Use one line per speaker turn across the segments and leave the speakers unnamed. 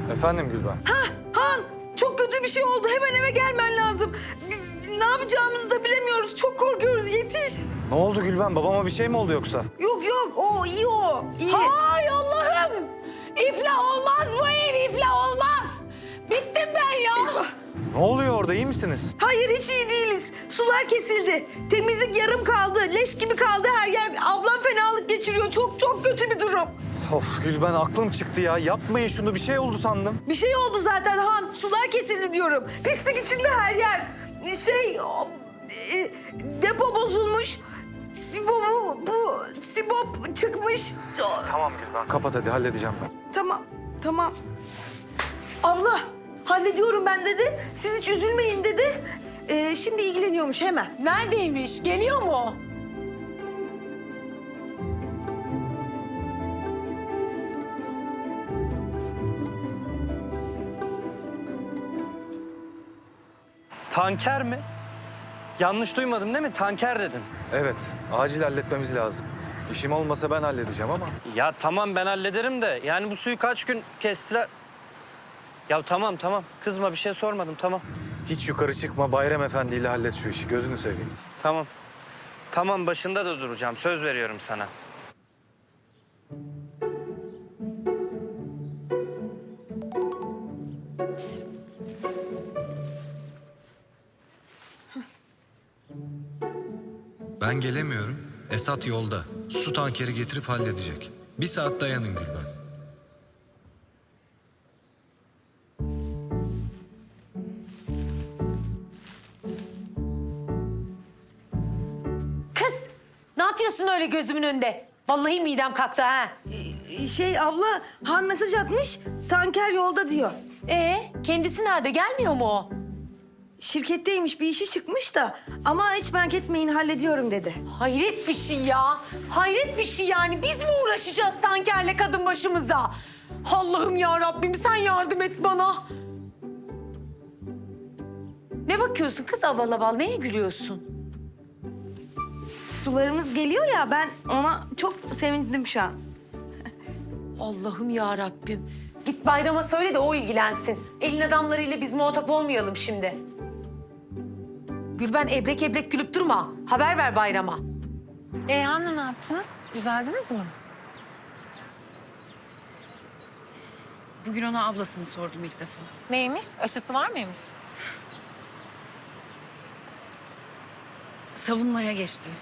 Efendim Gülben?
Han, çok kötü bir şey oldu. Hemen eve gelmen lazım. Ne yapacağımızı da bilemiyoruz. Çok korkuyoruz. Yetiş.
Ne oldu Gülben? Babama bir şey mi oldu yoksa?
Yok yok, o iyi o. İyi.
Ay Allah'ım! İflah olmaz bu ev, iflah olmaz. Bittim ben ya.
Ne oluyor orada? İyi misiniz?
Hayır, hiç iyi değiliz. Sular kesildi. Temizlik yarım kaldı. Leş gibi kaldı her yer. Ablam fenalık geçiriyor. Çok çok kötü bir durum.
Of Gülben, aklım çıktı ya. Yapmayın şunu. Bir şey oldu sandım.
Bir şey oldu zaten Han. Sular kesildi diyorum. Pislik içinde her yer. Depo bozulmuş. Sibop çıkmış.
Tamam Gülben. Kapat hadi, halledeceğim ben.
Tamam. Abla, hallediyorum ben dedi. Siz hiç üzülmeyin dedi. Şimdi ilgileniyormuş hemen.
Neredeymiş? Geliyor mu?
Tanker mi? Yanlış duymadım değil mi? Tanker dedin.
Evet, acil halletmemiz lazım. İşim olmasa ben halledeceğim ama.
Ya tamam ben hallederim de yani bu suyu kaç gün kestiler? Ya tamam kızma, bir şey sormadım, tamam.
Hiç yukarı çıkma, Bayram Efendi ile hallet şu işi. Gözünü seveyim.
Tamam başında da duracağım, söz veriyorum sana.
Ben gelemiyorum. Esat yolda. Su tankeri getirip halledecek. 1 saat dayanın Gülben.
Kız, ne yapıyorsun öyle gözümün önünde? Vallahi midem kalktı ha.
Abla, Han mesaj atmış. Tanker yolda diyor.
Kendisi nerede? Gelmiyor mu o?
Şirketteymiş, bir işi çıkmış da. Ama hiç merak etmeyin, hallediyorum dedi.
Hayret bir şey ya. Hayret bir şey yani. Biz mi uğraşacağız tankerle kadın başımıza? Allah'ım ya Rabbim sen yardım et bana. Ne bakıyorsun kız aval aval? Neye gülüyorsun?
Sularımız geliyor ya, ben ona çok sevindim şu an.
Allah'ım ya Rabbim. Git Bayram'a söyle de o ilgilensin. Elin adamlarıyla biz muhatap olmayalım şimdi. Gülben ebrek ebrek gülüp durma. Haber ver Bayram'a.
Hanne ne yaptınız? Düzeldiniz mi?
Bugün ona ablasını sordum ilk defa.
Neymiş? Aşısı var mıymış?
Savunmaya geçti.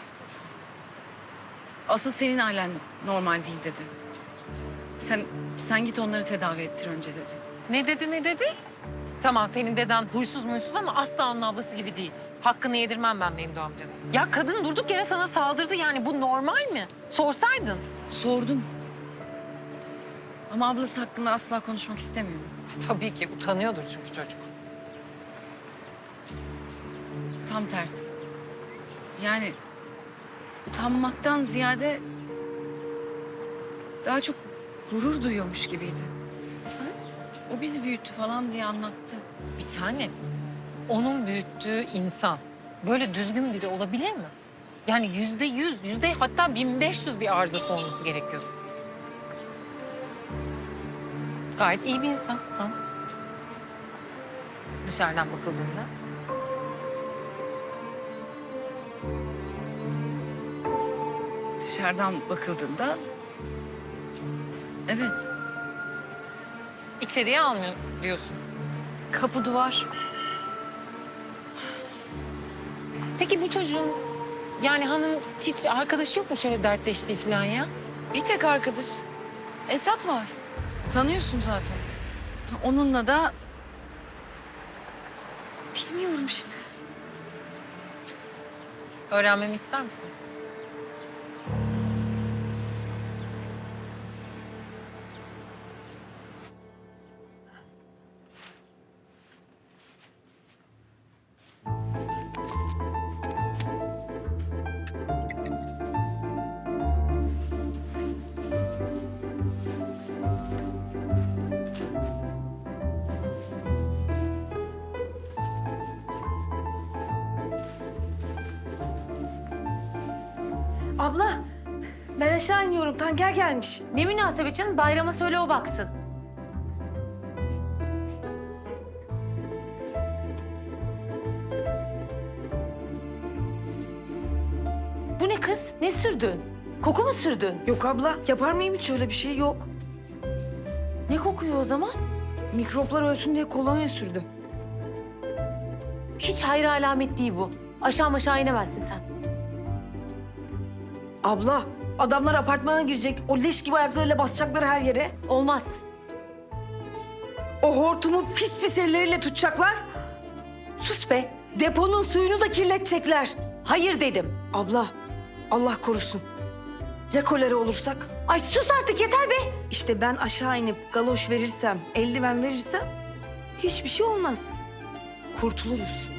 Asıl senin ailen normal değil dedi. Sen git onları tedavi ettir önce dedi.
Ne dedi? Tamam senin deden huysuz muysuz ama asla onun ablası gibi değil. Hakkını yedirmem ben Memdu amcanın. Ya kadın durduk yere sana saldırdı yani bu normal mi? Sorsaydın.
Sordum. Ama ablası hakkında asla konuşmak istemiyor.
Tabii ki utanıyordur çünkü çocuk.
Tam tersi. Yani utanmaktan ziyade daha çok gurur duyuyormuş gibiydi.
Efendim?
O bizi büyüttü falan diye anlattı.
Bir tane. Onun büyüttüğü insan böyle düzgün biri olabilir mi? Yani %100, hatta 1500 bir arızası olması gerekiyor. Gayet iyi bir insan. Ha? Dışarıdan bakıldığında.
Dışarıdan bakıldığında evet,
İçeriye almıyor diyorsun.
kapı duvar.
Peki bu çocuğun yani Han'ın hiç arkadaşı yok mu şöyle dertleştiği falan ya?
Bir tek arkadaş Esat var. Tanıyorsun zaten. Onunla da bilmiyorum işte.
Öğrenmemi ister misin?
Abla, ben aşağı iniyorum. Tanker gelmiş.
Ne münasebet canım? Bayram'a söyle o baksın. ne kız? Ne sürdün? Koku mu sürdün?
Yok abla, yapar mıyım hiç öyle bir şey? Yok.
Ne kokuyor o zaman?
Mikroplar ölsün diye kolonya sürdüm.
Hiç hayır alamet değil bu. Aşağı inemezsin sen.
Abla, adamlar apartmana girecek. O leş gibi ayaklarıyla basacaklar her yere.
Olmaz.
O hortumu pis pis elleriyle tutacaklar.
Sus be.
Deponun suyunu da kirletecekler.
Hayır dedim.
Abla, Allah korusun. Ya kolera olursak?
Ay sus artık yeter be.
İşte ben aşağı inip galoş verirsem, eldiven verirsem hiçbir şey olmaz. Kurtuluruz.